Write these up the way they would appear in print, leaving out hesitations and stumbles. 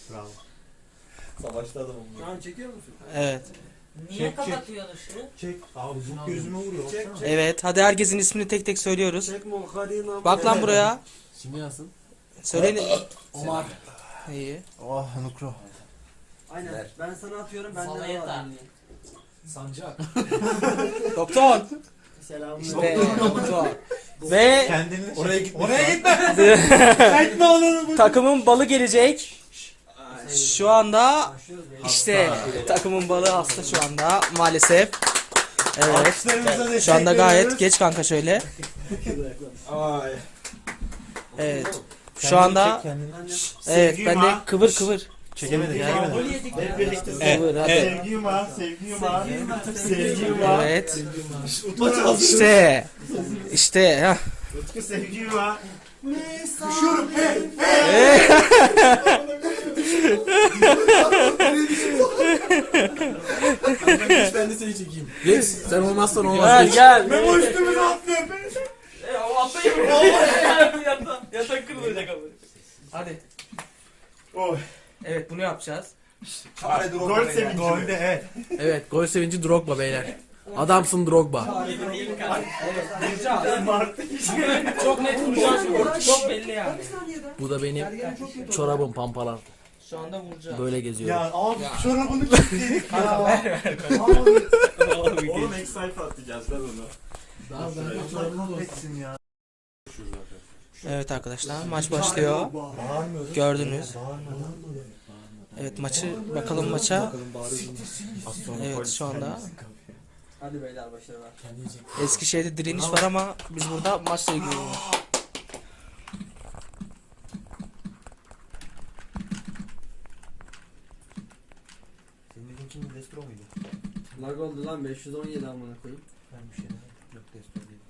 Bravo. Savaşta adamım. Şu an çekiyor musun? Evet. Niye Çek, kapatıyorsun ışığı? Çek. Abi bu gözüme vuruyor. Çek, baksana. Evet. Hadi herkesin ismini tek tek söylüyoruz. Çekme o karıyı. Bak lan buraya. Şimdi yazsın. Söyleyin. Omar. İyi. Oh Nukro. Aynen. Ver. Ben sana atıyorum. Ben Sana de yeter. var. Sancak. Doktor. Selamünaleyküm. İşte doktor. Ve Kendini Oraya gitme. Oraya gitme. Gitme oğlum. takımın balı gelecek. Şu anda Başlıyoruz beyler. işte takımın balı hasta şu anda maalesef. Evet. Alkışlarımıza destek Şu anda gayet veriyoruz. geç kanka şöyle. Ay. Evet. Şu anda Kendini- evet Sevgiyim ben de ha. kıvır kıvır. Çekemedik. Ya. Çekemedik. Golü yedik ya. Hep birlikte. Kıvır hadi. Sevgiyim var. Sevgiyim var. Sevgiyim var. Evet. Utma çalsın. İşte ha. Utku sevgiyim var. Ben de seni çekeyim. Rex sen olmazsan Gel olmaz. gel. Memo üstümüze atlıyor. Yatak kırılacak ama. Hadi. Oy. Evet bunu yapacağız. Çare Gol sevinci. Golde evet. Evet gol sevinci Drogba beyler. Adamsın Drogba. Çok net vuracağız. Çok belli yani. Bu da benim çorabım pampalar. Şu anda vuracağız. Böyle geziyorum. Ya abi çorabını kilitledik ya. Oğlum ek sayfa atacağız lan onu. Kahretsin ya. Evet arkadaşlar maç başlıyor. Bağırmıyoruz. Gördünüz. Bağırmadan. Evet maçı bakalım maça. Evet şu anda Hadi beyler başarılar. Eskişehir'de direniş var ama biz burada maçla ilgileniyoruz. Senin dediğin kim? Destro muydu? Lag oldu lan 517 amına koyayım. Ben bir şey demedim. Yok Destro değil.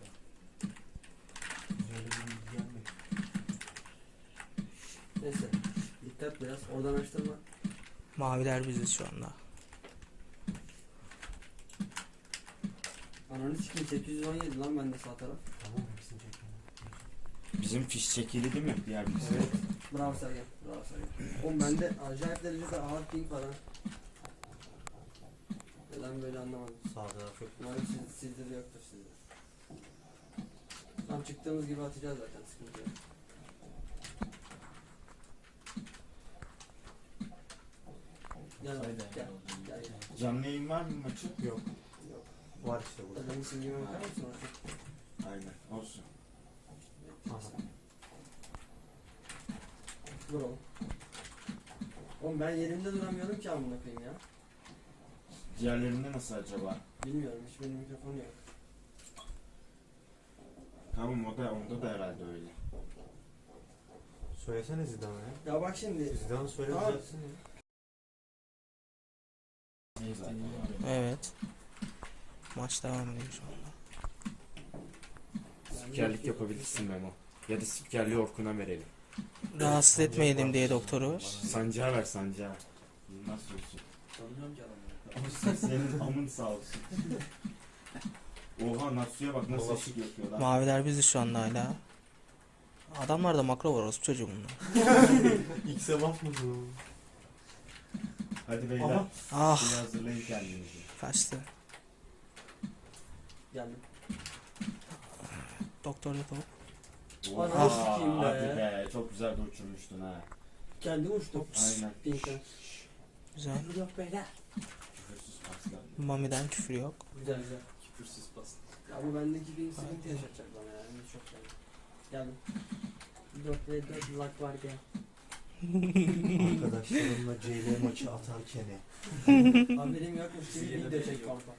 Öyle bir bilgi gelmedi. Neyse. Dikkat biraz. Oradan açtırma. Maviler biziz şu anda. Ananı sikeyim 817 lan bende sağ taraf. Tamam hepsini çektim. Bizim fiş çekili değil mi? Diğer bir Evet. Bravo Sergen. Bravo Sergen. Oğlum bende acayip derecede ağır ping var ha. Neden böyle anlamadım. Sağ taraf yok. Umarım sizde de yoktur sizde. Tam çıktığımız gibi atacağız zaten sıkıntı yok. Gel Haydi. gel. Gel gel. Canlı yayın var mı maçı? Yok. Yok. Var işte burada. Adamın simgeme bakar mısın artık? Aynen. Olsun. Dur oğlum. Oğlum ben yerimde duramıyorum ki amına koyayım ya. Diğerlerinde nasıl acaba? Bilmiyorum hiç benim mikrofonu yok. Tamam onda da herhalde öyle. Söylesene Zidane'a ya. Ya bak şimdi. Zidane söyle Tamam. düzeltsin ya. Neyse. Evet. Maç devam ediyor şu anda. Spikerlik yapabilirsin Memo. Ya da spikerliği Orkun'a verelim. Rahatsız etmeyelim diye doktoru. Sancağı ver sancağı. Nasıl olsun? Tanımıyorum ki adamı. Senin amın sağ olsun. Oha Natsu'ya bak nasıl ışık yapıyor lan. Maviler biziz şu anda hala. Adamlarda makro var orospu çocuğu bunlar. X'e basmadı o. Hadi beyler. Aha. Ah Şimdi hazırlayın kendinizi. kaçtı. Geldim. Doktor da top. Ananı Oha, sikeyim be. hadi be. Çok güzel de uçurmuştun ha. Kendim uçtum. Aynen. Pink'ten. Güzel. Yok beyler. Küfürsüz paslar. Mami'den küfür yok. Güzel güzel. Küfürsüz pas. Ya bu bendeki bir sıkıntı yaşatacak bana ya. Henüz çok yani. Geldim. 4 ve 4 lag var gel. Arkadaşlarımla CL maçı atarken. Haberim yokmuş gibi video çek kanka.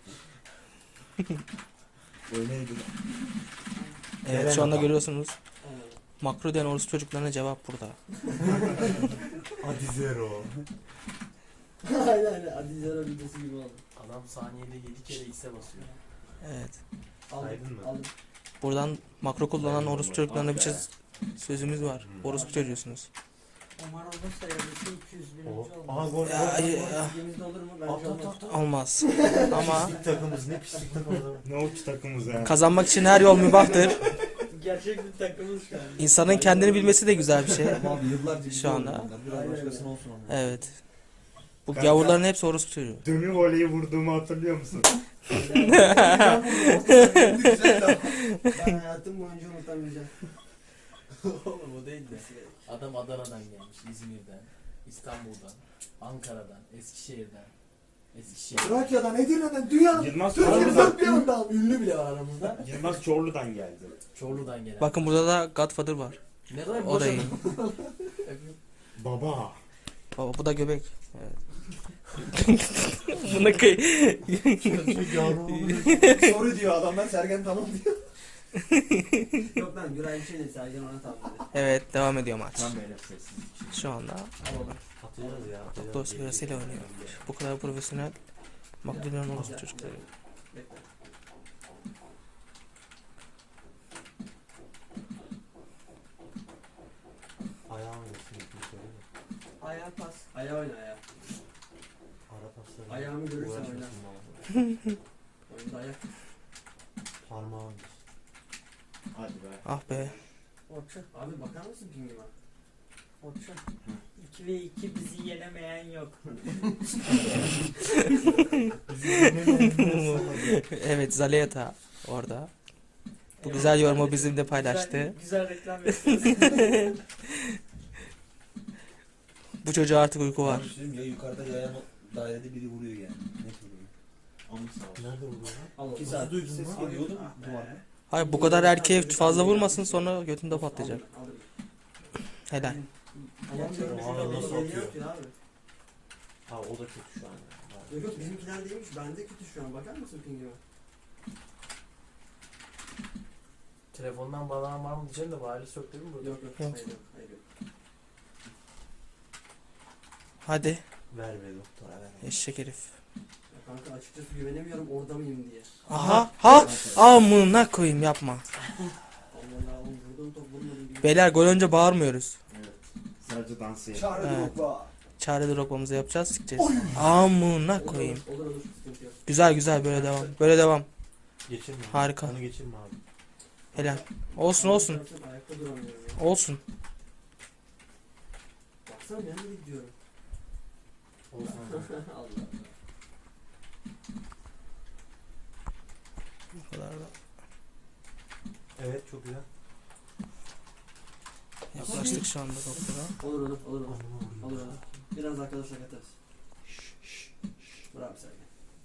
O neydi? Evet şu anda görüyorsunuz. Evet. Makro diyen orospu çocuklarına cevap burada. Hadi zero. Aynen Adi Zero videosu gibi oldu. Adam saniyede 7 kere X'e basıyor. Evet. Aldım. Saydın mı? Aldım. Buradan makro kullanan orospu çocuklarına bir sözümüz var. Orospu çocuğusunuz. Omar olursa yazısı 200 bin O. önce Aha olmaz. gol. Ya, gol. ya. Ligimizde olur mu? Bence At, at, olmaz. at, at. Olmaz. Ama Pislik takımız ne pislik takımız. Ne uç takımız ya. kazanmak için her yol mübahtır. Gerçek bir takımız şu an. İnsanın kendini bilmesi de güzel bir şey. Abi yıllarca Şu anda. bunlar. Biraz Aynen başkasına öyle. olsun ama. Evet. Bu Kanka. gavurların hepsi orospu çocuğu. Dönü voleyi vurduğumu hatırlıyor musun? Ben hayatım boyunca unutamayacağım. Oğlum o değil de. Adam Adana'dan gelmiş, İzmir'den, İstanbul'dan, Ankara'dan, Eskişehir'den. Trakya'dan, Edirne'den, dünyanın Yılmaz Türkiye'nin Çorlu'dan, dört bir yanından. Ünlü bile var aramızda. Yılmaz Çorlu'dan geldi. Çorlu'dan gelen. Bakın burada da Godfather var. Ne kadar O da iyi. Baba. Baba bu da göbek. Evet. Buna kıy. Soru diyor adamlar, Sergen tamam diyor. Yok lan Güray bir şey değil. Sergen ona tamamladı. Evet devam ediyor maç. Tam böyle sessiz. Şu anda Atacağız ya. doktor sırasıyla oynuyor. Bu kadar profesyonel Makedonyalı orospu çocukları. Bekle. Ayağım geçsin. Bir söyle mi? Ayağa pas. Ayağa oyna ayağa. Ara pasları. Ayağımı görürsen Uğraşmasın oyna. bana. Oyunda ayak. Parmağım. Hadi be. Ah be. Orçun. Abi bakar mısın pingime? Orçun. 2 ve 2 bizi yenemeyen yok. Evet Zaleta orada. Bu güzel yorumu bizimle paylaştı. Güzel reklam yapıyoruz. Bu çocuğa artık uyku var. Ya yukarıda yayan dairede biri vuruyor yani. Net vuruyor. Onu sağ ol. Nerede vuruyor lan? Al. 2 saat duydun ses lan? geliyordu Ah be. duvarda. Hayır bu kadar erkeğe fazla vurmasın sonra götünde patlayacak. Alırım. Helal. Tamam diyorum. Aa, Bizim nasıl geliyor atıyor? ki abi. Ha o da kötü şu an. Yok yok bizimkiler değilmiş. Bende kötü şu an. Bakar mısın pingime? Telefondan bağlanan var mı diyeceğim de wireless yok değil mi burada? Yok yok. Yok. Hayır yok. Hayır yok. Hadi Ver be doktora ver. eşek herif. Ya kanka açıkçası güvenemiyorum orada mıyım diye. Aha ha amına koyayım yapma. Allah Allah oğlum vurdum top vurmadım gibi. Beyler gol önce bağırmıyoruz. Evet. Sadece dansı yap. Çağrı Evet. Drogba. Çare drogbamızı yapacağız sikeceğiz. Amına koyayım. Olur olur sıkıntı yok. Güzel güzel böyle devam. Böyle devam. Geçirme. abi. Harika. Onu geçirme abi. Helal. Olsun olsun. Ayakta duramıyorum ya. Olsun. Baksana ben de gidiyorum. Olsun. Allah Allah. Bu kadar da. Evet çok güzel. Yaklaştık şu anda doktora. Olur olur olur olur. Anladım. Olur olur. Biraz arkadaşlar katarız. Bravo Sergen.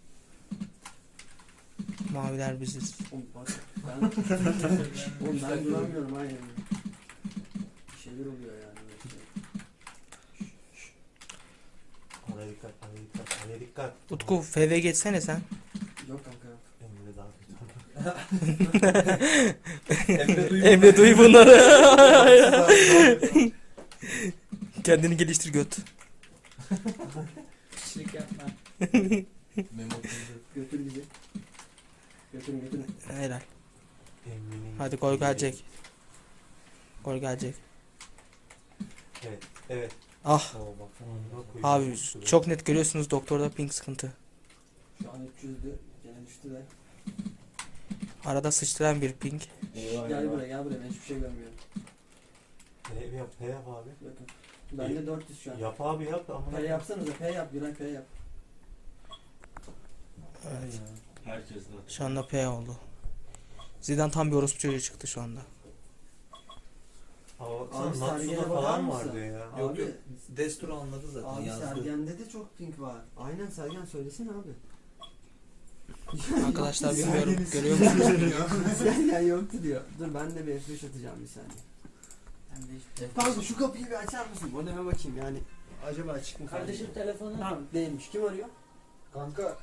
Maviler biziz. Oğlum bak ben oğlum ben duramıyorum aynen. Bir şeyler oluyor yani. Araya dikkat, araya dikkat, araya dikkat. Utku FV geçsene sen. Yok kanka yok. Emre daha kötü. Emre duy bunları. Kendini geliştir göt. Kişilik yapma. Memo kızı. Götür bizi. Götürün götürün. Helal. Emre'nin. Hadi gol gelecek. Gol gelecek. Evet, evet. Ah. Oo bak. Abi çok net görüyorsunuz doktorda ping sıkıntı. Şu an 300'dü. Gene düştü de. Arada sıçtıran bir ping. Gel buraya gel buraya ben hiçbir şey görmüyorum. P yap, P yap abi. Yok yok. Bende 400 şu an. Yap abi yap. Ama P yapsanıza P yap. Güray P yap. Evet. Herkes de. Şu anda P oldu. Zidane tam bir orospu çocuğu çıktı şu anda. Abi Abi Natsu'da Sergen'e bakar falan mısın? vardı ya. Yok Abi, yok. Destur anladı zaten Abi yazdı. Sergen'de de çok pink var. Aynen Sergen söylesene abi. Arkadaşlar bilmiyorum görüyor musunuz? Sergen yoktu diyor. Dur ben de bir F5 atacağım bir saniye. Ben de hiç- Kanka şu kapıyı bir açar mısın? Modeme bakayım yani. Acaba açık mı? Kardeşim telefonu. Tamam değilmiş. Kim arıyor? Kanka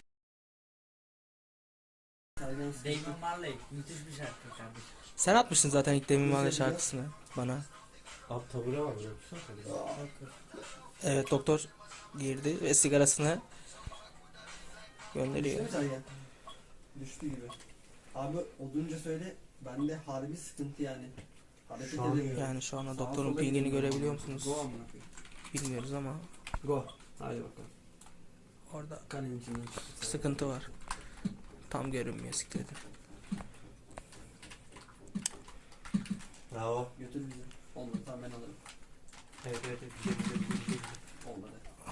Sergen Damon Marley. Müthiş bir şarkı kardeşim. Sen atmışsın zaten ilk demin bana şarkısını bana. Abi tabure var biliyor musun? Tabure. Evet doktor girdi ve sigarasını gönderiyor. Düştü mü Sergen? Düştü gibi. Abi odunca söyle. Bende harbi sıkıntı yani. Hareket Şu an edemiyorum. Yani şu anda Sağa doktorun sola pingini gidiyorum. görebiliyor musunuz? Go amına koyayım. Bilmiyoruz ama Go. Hadi bakalım. orada Kanenin içinden çıktı. sıkıntı var. Tam görünmüyor siktir. Bravo. Götür bizi. Olmadı tamam ben alırım. Evet evet evet. Güzel. Olmadı.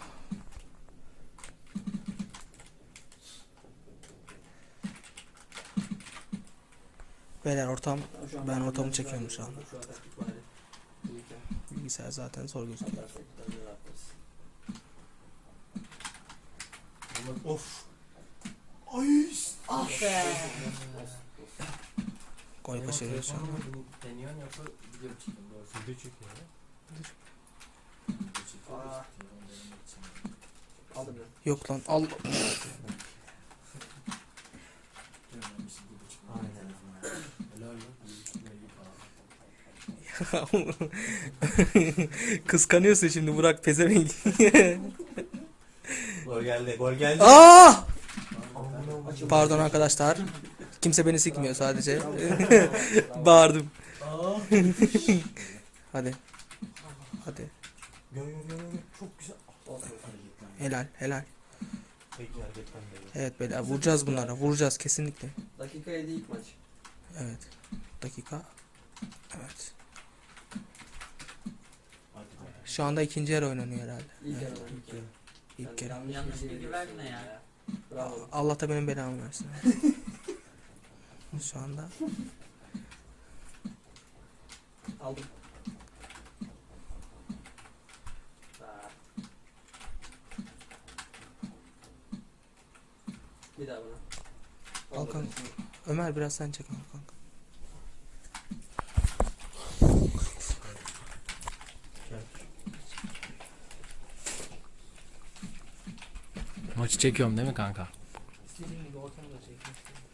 Beyler ortam Tamam, şu an Ben ortamı biraz çekiyorum daha şu anda. Şu an taktik bari. İyiyken bilgisayar zaten zor gözüküyor. atarsak bir tane daha atarız. Of. Ay. Ah be. Olsun, olsun. Gol başarıyoruz şu an. Deniyorsun yoksa video mu çekiyorsun? Doğrusu. Video çekiyor ya. Video çekiyoruz. Aa. Telefon denemek için. Aldım ya. Yok lan al. Görmemişsin video çıkıyor. Aynen. Helal lan. Belli falan. Kıskanıyorsun şimdi Burak pezevenk. Gol geldi. Gol geldi. Aa! Açıldı. Pardon arkadaşlar. Kimse beni sikmiyor sadece. Bağırdım. Aa. Hadi. Hadi. Gel. Çok güzel. Olsun. Helal helal. Peki hareketten beri. Evet beyler vuracağız bunlara. Vuracağız kesinlikle. Dakika 7 ilk maç. Evet. Dakika. Evet. Hadi be. Şu anda ikinci yarı oynanıyor herhalde. İlk Evet, yarı. İlk yarı. ilk yarı. Yanlış bilgi verme ya. Bravo. Allah da benim belamı versin. Şu anda. Aldım. Aa. Bir daha bana. Al kanka. Ömer biraz sen çek onu kanka. Maçı çekiyorum değil mi kanka? İstediğin gibi ortamı da çek.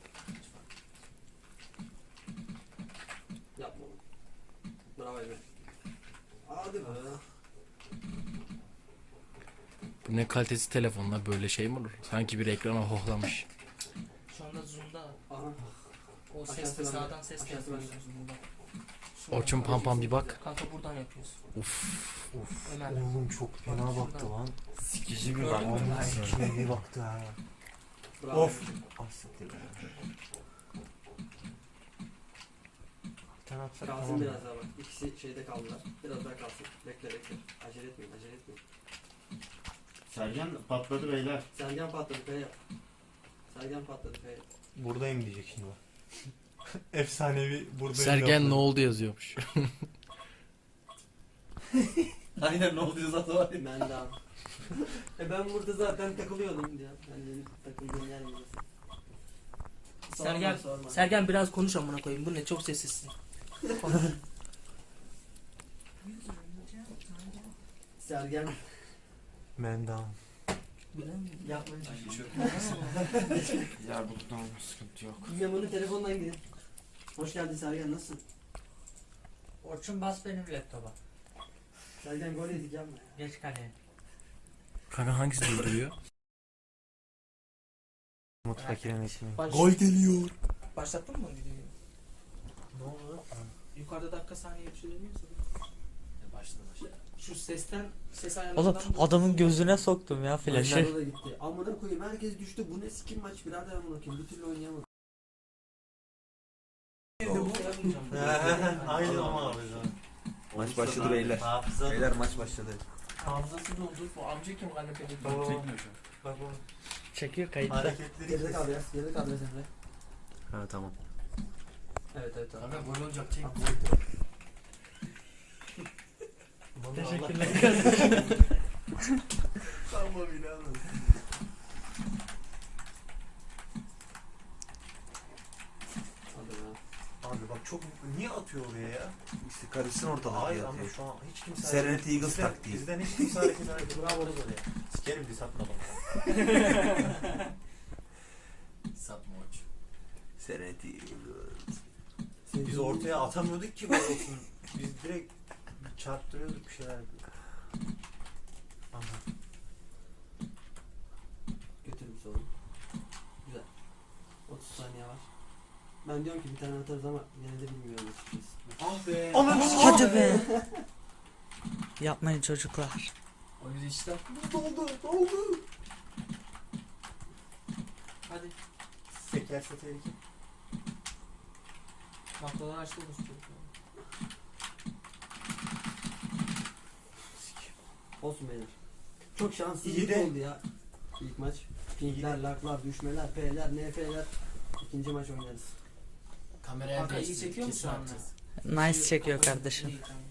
Yapma onu. Bravo Emre. Hadi be. Bu ne kalitesi telefonla böyle şey mi olur? Sanki bir ekrana hohlamış. Şu anda zoom'da Aha. o Aşağısı sesli bende. sağdan ses Aşağısı yapıyorsun bende. zoom'da. Orçun Pampam bir bak. Kanka buradan yapıyorsun. Uf. Ömer. Oğlum çok fena baktı lan. Sikici bir Gördün mü? baktı. Vallahi sikine bir baktı ha. Bravo. Of. Ah siktir be. Bir tane atsak Kalsın tamam. biraz daha bak. İkisi şeyde kaldılar. Biraz daha kalsın. Bekle bekle. Acele etmeyin acele etmeyin. Sergen patladı beyler. Sergen patladı kaya. Sergen patladı kaya. Buradayım diyecek şimdi bak. Efsanevi buradayım. Sergen ne oldu yazıyormuş. Aynen ne oluyor zaten var ya. Ben daha. Ben burada zaten takılıyordum diye. Ben de takıldığım yer burası. Sergen, Sorma. Sergen biraz konuş amına koyayım. Bu ne çok sessizsin. Sergen. Mendam. Yapmayın. Ya bu ne olmuş sıkıntı yok. Yaman'ın telefondan gidin. Hoş geldin Sergen nasılsın? Orçun bas benim laptopa. Sergen gol yedik yapma ya. Geç kaleye. Kanka hangisi durduruyor? Mutfakine ekmeği. Gol geliyor. Başlattın mı videoyu? Ne oldu? Yukarıda dakika saniye bir şey dönüyorsa. Başladı. Şu sesten ses Oğlum ayarlarından adamın gözüne soktum ya flaşı. Maçlarda da gitti. Amına koyayım herkes düştü. Bu ne sikim maç birader amına koyayım. Bir türlü oynayamadım. Aynen ama abi. Maç başladı beyler. Hafıza. Beyler maç başladı. Hafızası doldu. Bu amca kim kanepede? Tamam. Çekmiyor şu an. Bak o Çekiyor kayıtlı. hareketleri. Geride kal biraz. Geride kal biraz Emre. Ha tamam. Evet evet tamam. Kanka gol olacak çek. Teşekkürler. Tamam inanın. Hadi be. Abi bak çok niye atıyor oraya ya? İşte karışsın ortalık Hayır ya. ama şu an hiç kimse Serenity Eagles bizden- taktiği. Bizden hiç kimse hareket hareket. Bravo oraya. Sikerim diye satma bana. Satma maç. Serenity Biz ortaya atamıyorduk ki gol olsun. Biz direkt çarptırıyorduk bir şeyler. Aha. Götür bir sorun. Güzel. 30 saniye var. Ben diyorum ki bir tane atarız ama yine de bilmiyorum açıkçası. Ah be. Hadi be. Yapmayın çocuklar. O yüzden işte. Doldu. Hadi. Sekerse tehlike. Noktalar açtı olmuş çocuklar. Olsun beyler. Çok şanssızlık İyi de- oldu ya. İlk maç. Pinkler, laklar, düşmeler, P'ler, NF'ler. İkinci maç oynarız. Kameraya Kanka iyi değişti. çekiyor mu Kesin şu anda? atacağız. Nice çekiyor kardeşim. İyi, tamam.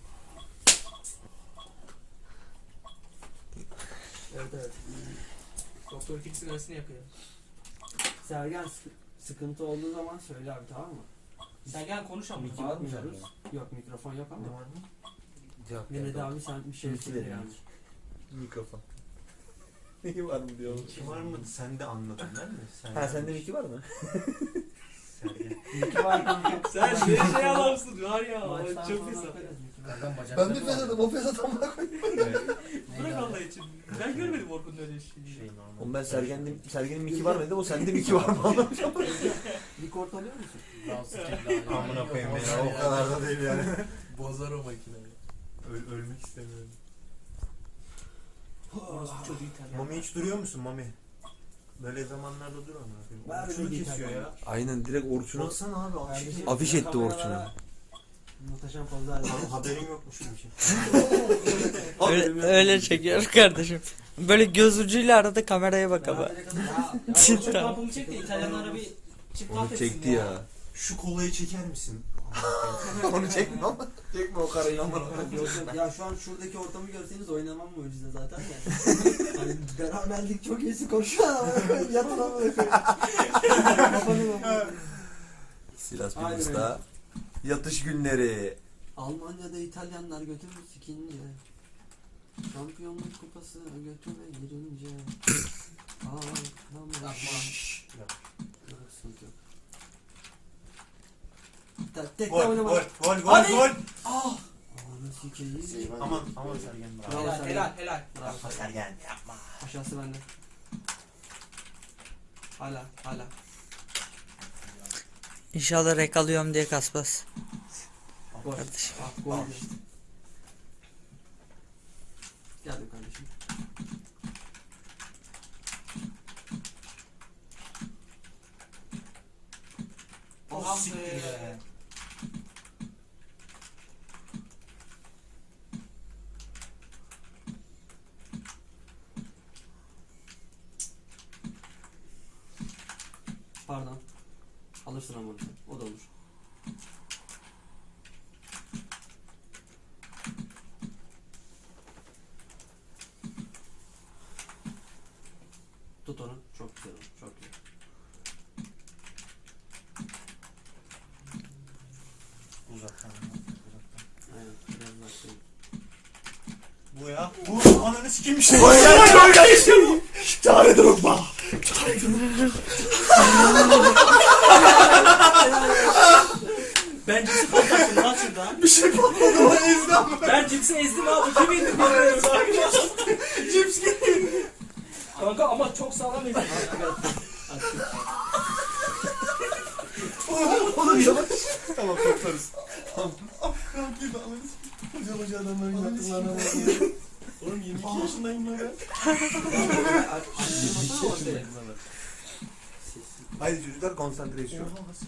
Evet. Doktor Fix sigarasını yakıyor. Sergen sıkıntı olduğu zaman söyle abi, tamam mı? Sen gel konuş ama. Miki var mı sende? Yok, mikrofon yok ama. Ne var mı? Yok. Yine de abi sen bir şey Miki söyle dedim. yani. Mikrofon. Miki var mı diyor. Kim var mı? Sen de anladın değil mi? Sen Ha sende Miki var mı? Sergen. Miki var kanka. Sen ne şey adamsın var ya. Maçtan Çok sonra hesap. bakarız Miki var. Nereden bacakları Ben bir var? fesadım, o fesat amına koyayım. Bırak Allah için. Ben görmedim Orkun'un öyle şeyi. Şey normal. Oğlum ben Sergen'in Miki var mı dedim, o sende Miki var mı anlamışım. Record alıyor musun? Amına koyayım beni. O kadar da değil yani. Bozar o makineyi. Ölmek istemiyorum. Orası çok iyi tabii. Mami hiç duruyor musun Mami? Böyle zamanlarda dur amına koyayım. Ben Orçunu öyle kesiyor değil ya. Aynen direkt Orçun'a Baksana abi Kardeşim, afiş etti kameralara Orçun'u. Muhteşem pozlar. Haberin yokmuş gibi şey. Öyle çekiyor kardeşim. Böyle göz ucuyla arada kameraya bak ama. Çok kampımı çek de İtalyanlara bir çift laf Onu etsin çekti ya. Şu kolayı çeker misin? Onu çekme ama. Çekme o karayı amına koyayım. Yok yok ya, şu an şuradaki ortamı görseniz oynamam mucize zaten de. Hani beraberlik çok iyisi koşuyor ama yatın ama Silas Aynen Pimus'ta yatış günleri. Almanya'da İtalyanlar götürür sikince. Şampiyonluk kupası götüre girince. Yok, sıkıntı yok. Tek Gol oynama. gol Hadi! gol. Ananı sikeyim. Aman Sergen bravo. Bravo. Helal. Bravo. Sergen yapma. Aşağısı bende. Hala. İnşallah rek alıyorum diye kasmaz. Gol. Kardeşim. Gol. Geldim kardeşim. Ah Siktir be. be. Pardon. Alırsın ama sen. O da olur. Tut onu. Çok güzel olur. Çok güzel. Uzaktan. Aynen. Biraz daha şey. Bu ya. Bu ananı sikeyim işte. Çare Drogba. Ben cipsi patlattım lan şurada. Bir şey patladı o ezdim. Ben cipsi ezdim abi. Kim indi bilmiyorum. Cips gitti. Kanka ama çok sağlam ezdim. Oğlum yavaş. Tamam toplarız. Tamam. Hoca adamların yaptıklarına bak. Oğlum 22 yaşındayım lan ben. Haydi çocuklar konsantrasyon.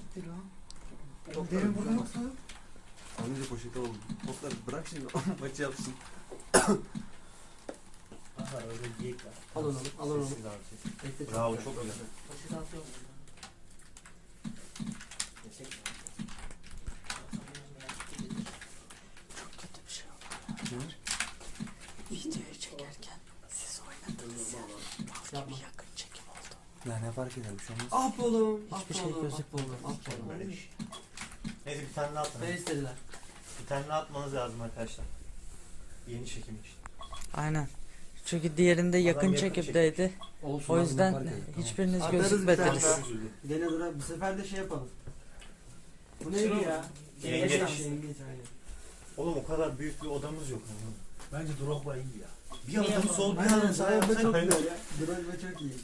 Derin burada yoksa. Anlayınca poşete oldu. Toplar bırak şimdi maçı yapsın. Al onu. Al onu. Bekle, çok Bravo güzel. çok güzel. Poşet atıyorum. Videoyu çekerken siz oynadınız ya. Yapma. Yakın çekim oldu. Ya ne fark eder bir şey olmaz. Ah be oğlum. Hiçbir şey gözükmüyor. Ah be oğlum. Böyle bir şey. Neyse bir tane daha atın. Ne istediler? Bir tane daha atmanız lazım arkadaşlar. Yeni çekim için. Aynen. Çünkü diğerinde yakın yakın çekimdeydi. Olsun. O abi, yüzden fark eder. hiçbiriniz Atarız bir gözükmediniz. tane. Gene dur, bu sefer de şey yapalım. Bu neydi Şunu- ya? Yengeç. Yengeç aynen. Oğlum o kadar büyük bir odamız yok. Bence Drogba iyi ya. Bir adım sol bir Aynen, adım sağ Drogba çok yapsana. güzel ya. Drogba çok iyi.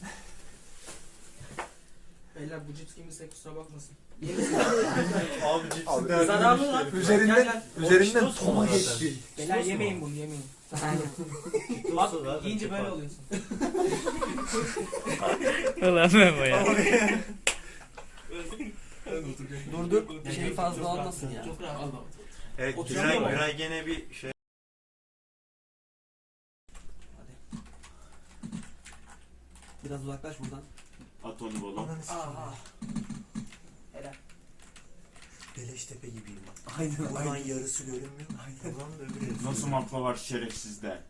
Beyler bu cips kimse kusura bakmasın. Abi cipsi Abi, derdini zararlı müşteri. lan. Üzerinden Gel, üzerinden Olsun toma mu geçti. Beyler yemeyin bunu yemeyin. Olsun Bak zaten yiyince çok böyle var. oluyorsun. Ulan Memo ya. Dur dur. Şey fazla olmasın ya. Çok rahat. Evet Oturuyor mu? Güray gene bir şey. Biraz uzaklaş buradan. At onu oğlum. Ananı sikeyim. Aha. Helal. Beleştepe gibiyim bak. Aynen Buradan yarısı görünmüyor. Buradan da öbür yarısı. Nasıl makla var şerefsizde.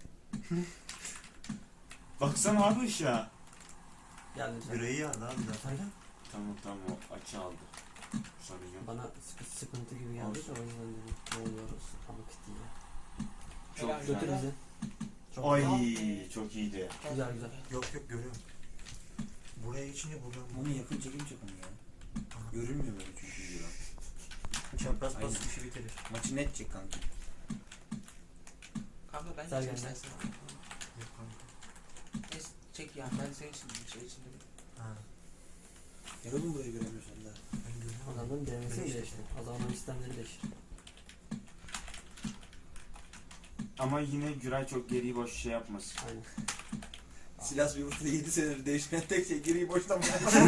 Baksana abi ışığa. Gel lütfen. Yüreği yandı abi zaten. Aynen. Tamam o açı aldı. Sorun yok. Bana sıkıntı gibi geldi de o yüzden dedim. Ne oluyoruz? Ama kıt ya. Çok Helal. güzel. Götür bizi. Çok Ay güzel. çok iyiydi. Güzel güzel. Yok görüyorum. Buraya geçince buradan. Bunu yakın çekim çekin ya. Görülmüyor böyle çünkü videoda. Çapraz Aynen. pas işi bitirir. Maçı net çek kanka. Kanka ben Sergen çek de. istersen. Neyse çek ya ben senin için bir şey için dedim. Ha. Ya oğlum burayı göremiyorsun da. Ben görüyorum. Adamların denemesi mi Değişti. değişti? Adamların sistemleri değişti. Ama yine Güray çok geriyi boş şey yapmasın. Aynen. Silas bir burada 7 senedir değişmeyen tek şey geriyi boşlama.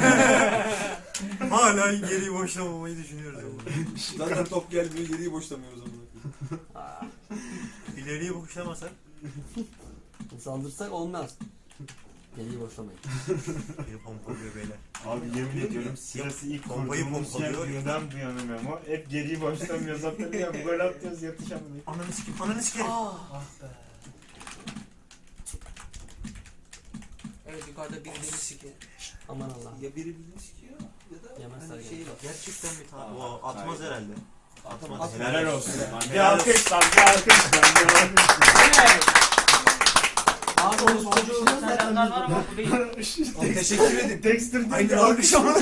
Hala geriyi boşlamamayı düşünüyoruz ama. Zaten top gelmiyor geriyi boşlamıyoruz onu. Aa, İleriyi boşlamasak saldırsak olmaz. Geriyi boşlamayın. geri pompalıyor beyler. Abi yemin ediyorum sırası ilk Bombayı kurduğumuz pompalıyor. günden bu yana Memo. Hep geriyi boşlamıyoruz hatırlıyor. Gol atıyoruz yatışamıyoruz. Ananı sikeyim, ananı sikeyim. Ah be. Evet yukarıda bir deli siki. Aman Allah. Ya biri birini sikiyor ya da Yemez hani Sergen. şey var. Gerçekten bir tane. Aa, O atmaz hayır. herhalde. Atmaz. Atmaz. Helal olsun lan. Bir Helal olsun. alkış lan bir alkış lan bir alkış. Abi o çocuğun selamlar var ama bu değil. Teşekkür edin. Dexter Aynı alkış ama.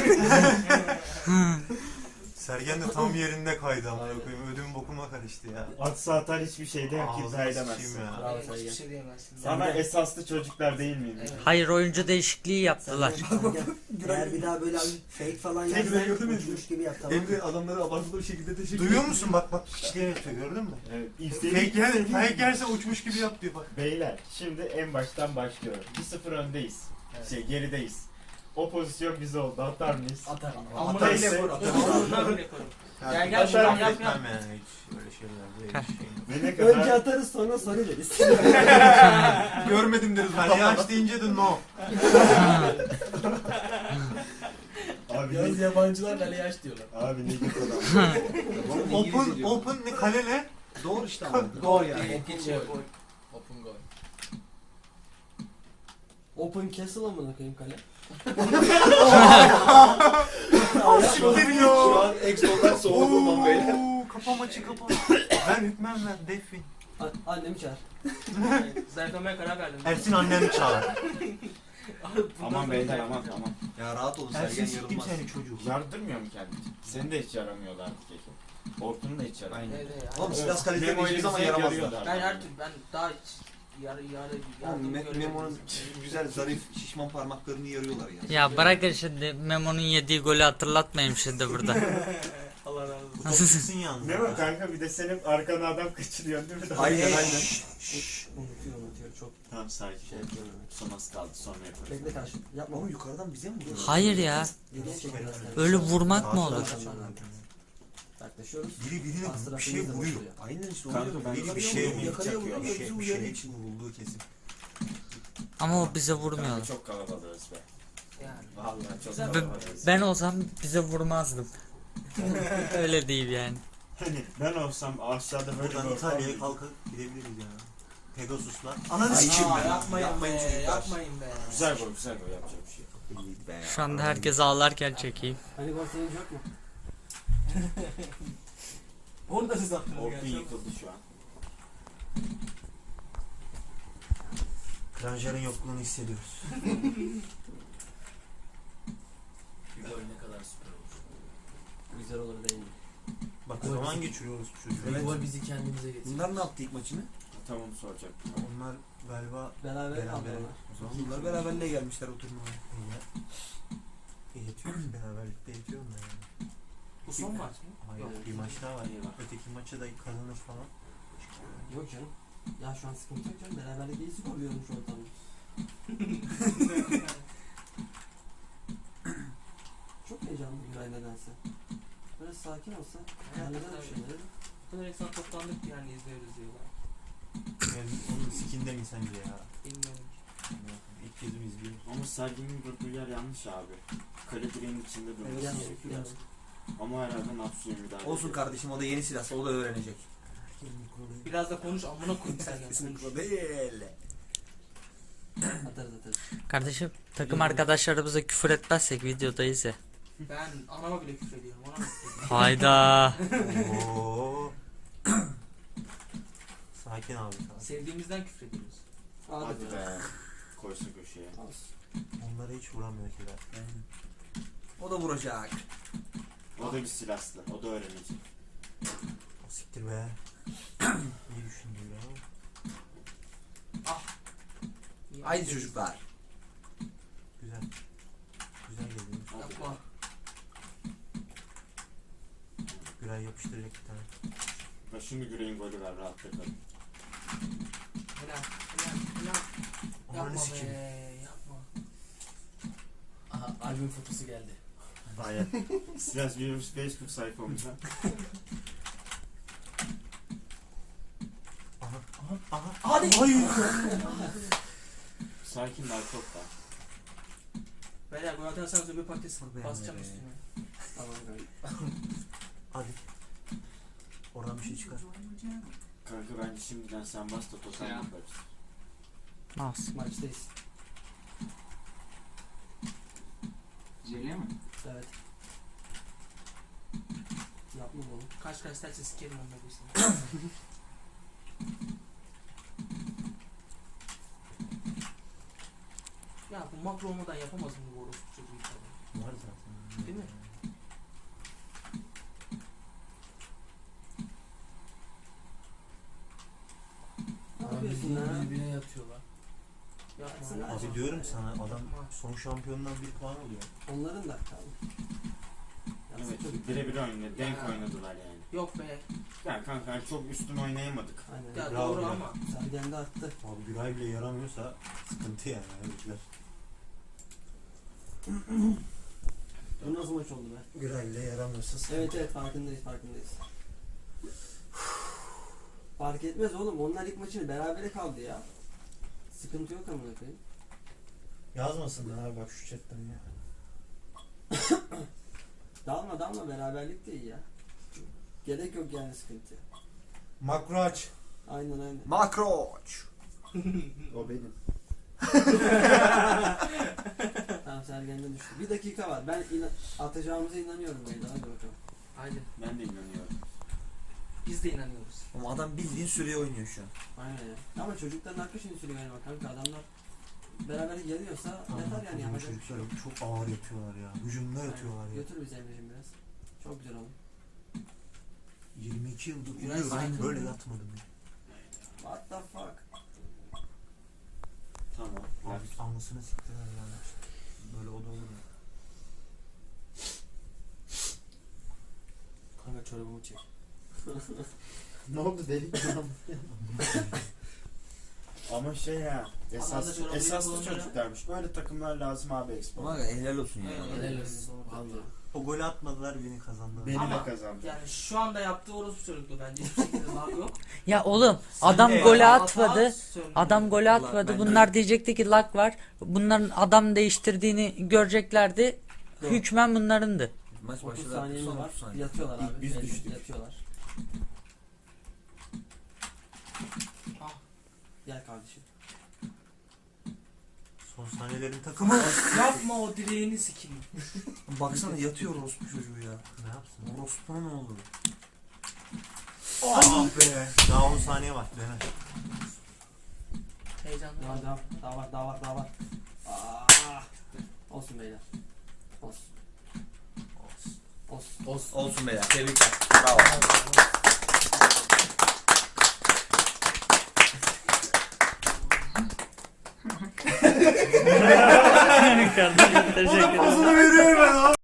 Sergen de tam yerinde kaydı ama koyayım. Ödüm bokuma karıştı ya. Atsa atar hiçbir şeyde yok ki Ağzına edemezsin. sıçayım ya. Bravo Hiçbir Sergen. şey diyemezsin. Ama esaslı çocuklar değil miydi? Evet. Hayır oyuncu değişikliği yaptılar. Eğer bir daha böyle fake falan Tekrar yersen gördün mü? uçmuş gibi yap tamam. Emre adamları abartılı bir şekilde teşekkür Duyuyor musun bak piçliğe yapıyor gördün mü? Evet, Fake yerse uçmuş gibi yap diyor bak. Beyler şimdi en baştan başlıyorum. 1-0 öndeyiz. Gerideyiz. O pozisyon bize oldu. Atar mıyız? Atarım. Ama Ama neyse. neyle vur atarım. Ama neyle koyarım. Gel, gel, Atar şuradan mı? yap, Etmem yap. yani hiç öyle şeylerde hiç şey. Ve ne Önce kadar... atarız sonra deriz. Görmedim deriz. Kaleye aç deyince de no. Abi Yalnız ne... yabancılar kaleye aç diyorlar. Abi ne kadar... Open ne kale ne? Doğru işte ama. Gol yani. İkinci gol. Open goal. Open Castle amına koyayım kale. Siktir ya. Şu an Exo'dan soğuk olmam beyler. Oo, kapa maçı kapa. Ben hükmem ben Defin. Annemi çağır. Zayıflamaya karar verdim. Ersin annemi çağır. Aman beyler aman aman. Ya rahat olun Ersin Sergen siktim yorulmaz. seni çocuk. Yardırmıyor mu kendini? Seni de hiç yaramıyorlar artık Eke. Orkun'u da hiç yaramıyor. Aynen. Evet, evet. Oğlum Silas kalite Memo'yu hiçbir zaman bize yaramazlar. yarıyorlar. Ben her türlü ben daha hiç yardım Oğlum görmedim. Memo'nun güzel zarif şişman parmaklarını yarıyorlar ya. Ya bırakın şimdi Memo'nun yediği golü hatırlatmayayım şimdi burada. Allah razı olsun. Bu top çıksın yalnız. Ne var kanka bir de senin arkana adam kaçırıyorsun değil mi? Aynen aynen. Unutuyor çok Tamam sakin. şey yapıyorum. Son az kaldı sonra yaparız. Bekle karşı. Yapma. Ama yukarıdan bize mi vuruyor? Hayır ya. Geriye çek biraz. Öyle vurmak mı olur? Yaklaşıyoruz. Biri birine Astra bir şey filmde vuruyor. başlıyor. Aynen işte Kanka oluyor. ben Biri bir Yakalaya şey vuruyor, yakalaya vuruyor, bir bizi şey uyarıyor. için vurulduğu kesin. Ama o bize vurmuyor. Kanka çok kalabalığız be. Yani. Vallahi çok Ben- kalabalığız. Ben olsam bize vurmazdım. Öyle değil yani. Hani ben olsam aşağıda böyle Buradan bir İtalya'ya ortam- kalkıp gidebiliriz ya. Pegasus'la. Ananı Ay, sikeyim Aa, ben. yapmayın be, çocuklar. yapmayın be. Güzel gol yapacak bir şey yok. İyi be. Şu anda herkes ağlarken çekeyim. Hani gol sevinci yok mu? Orada siz attınız Orkun gerçi. yıkıldı şu an. Kranjer'in yokluğunu hissediyoruz. Bir gol ne kadar süper olur. Güzel olur değil mi? Bak zaman geçiriyoruz bu çocuğu. Bir gol bizi kendimize getirir. Bunlar ne yaptı ilk maçını? Tam onu soracaktım. Onlar galiba Beraber Beraber. aldılar. O zaman bunlar beraberliğe gelmişler o turnuvaya. yetiyoruz. Beraberlikte yetiyor mu yani? Bu son maç mı? Hayır Yok. bir maç daha var. İyi var. Öteki maçı da kazanır falan. Yok canım. Ya şu an sıkıntı yok canım. Beraberlik iyisi koruyorum şu ortamda. Çok heyecanlı Güray nedense. Böyle sakin olsa halleder bir şeyleri. Bu kadar insan toplandık yani izliyoruz diyorlar. Yani onun sikinde mi sence ya? Bilmiyorum ki. İlk kez mi izliyoruz? Ama Ama Sergen'in durduğu yer yanlış abi. Kale direğinin içinde durması Evet, gerekiyor. yanlış. Ama herhalde Natsu'ya müdahale Olsun ediyor. kardeşim o da yeni silah. O da öğrenecek. Biraz da konuş amına koyayım sen ya. Kesinlikle değil. Atarız. Kardeşim takım arkadaşlarımıza küfür etmezsek videodayız ya. Ben anama bile küfür ediyorum. Ona mı küfür ediyorum? Hayda. Oo. Sakin abi. Sakin. Sevdiğimizden küfür ediyoruz. Hadi be. Koysa köşeye. Onlara hiç vuramıyor ki de. O da vuracak. O da bir silahlı. O da öğrenecek. Siktir be. İyi düşündü ya. Haydi çocuklar. Güzel. Güzel geliyor. Hadi be. Yapma. Güray yapıştıracak bir tane. Ve şimdi Güray'ın golü ver rahatta kalın. Helal. Helal. Ananı Yapma sikeyim. be. Yapma. Aha albüm fotosu geldi. Aynen. Silas Williams Facebook sayfamıza. Aha. Hadi. Hayır. Sakin narkot da. Beyler gol atarsanız öbür patates Dur be, basacağım be. üstüne. Tamam kanka. Hadi. Oradan bir şey çıkar. Kanka bence şimdiden sen bas da total yaparız. Nasıl? Maçtayız. Zeliye mi? Evet. Yapma oğlum. Kaç kaç derse sikerim onları işte. Ya bu makro olmadan yapamaz mı bu orospu çocuğu tabii. Var zaten. Değil mi? Ne yapıyorsun lan? Birbirine yatıyorlar. Yapma. Baksana. Abi diyorum sana adam son şampiyondan bir puan alıyor. Onların da tamam. Yapsın Evet, çocuk. birebir oynadı. Denk Ya. oynadılar yani. Yok be. Ya kanka hani çok üstün oynayamadık. Aynen. Ya Bravo doğru ya. ama. Sergen de arttı. Abi Güray bile yaramıyorsa sıkıntı yani. Herifler. Bu nasıl maç oldu be? Güray bile yaramıyorsa sıkıntı. Evet farkındayız. Fark etmez oğlum. Onlar ilk maçını berabere kaldı ya. Sıkıntı yok amına koyayım. Yazmasınlar abi bak şu chatten ya. Dalma beraberlik de iyi ya. Gerek yok yani sıkıntıya. Makro aç. Aynen. Makroç. O benim. Tamam Sergen'de düştü. Bir dakika var. Ben atacağımıza inanıyorum beyler. Hadi bakalım. Haydi. Ben de inanıyorum. Biz de inanıyoruz. Ama adam bildiğin süreye oynuyor şu an. Aynen ya. Ama çocukların hakkı şimdi sürüyor yani bak kanka adamlar beraber geliyorsa yeter yani Ama yapacak bir şey yok. çocuklar çok ağır yatıyorlar ya. Hücumda yatıyorlar ya. Götür bizi Emre'cim biraz. Çok güzel oğlum. 22 yıldır Güray uyuyorum. sakin. Böyle yatmadım ya. What the fuck? Tamam. Abi anlasını siktiler ya. Böyle o da olur mu? Kanka çorabımı çek. Ne oldu delik mi? Ama şey ya. Adamda çorabı Esaslı yapılanlara- çocuklarmış. Böyle takımlar lazım abi Expo. Ama helal olsun ya. Helal olsun. Vallahi. O golü atmadılar beni kazandılar. Beni Ama- de kazandı. Yani şu anda yaptığı orospu çocukluğu bence hiçbir şekilde lag yok. Ya oğlum Sen adam de golü ya. atmadı. Adam golü atmadı. ben Bunlar diyecekti ki lag var. Bunların adam değiştirdiğini göreceklerdi. Yok. Hükmen bunlarındı. Maç 30 başladı. saniye mi Son var? 30 saniye. Yatıyorlar abi. Biz Evet, düştük. Yatıyorlar. Ah. Gel kardeşim. Son saniyelerin takımı. Yapma o direğini sikeyim. Baksana yatıyor orospu çocuğu ya. Ne yapsın? Orospu'na ne oldu? Ah be. Daha 10 saniye var. Dene. Heyecanlı. Daha var. Olsun beyler. Olsun. Olsun. Olsun beyler. Tebrikler. Bravo. Kardeşim teşekkür ederim. Pozunu veriyorum ben abi.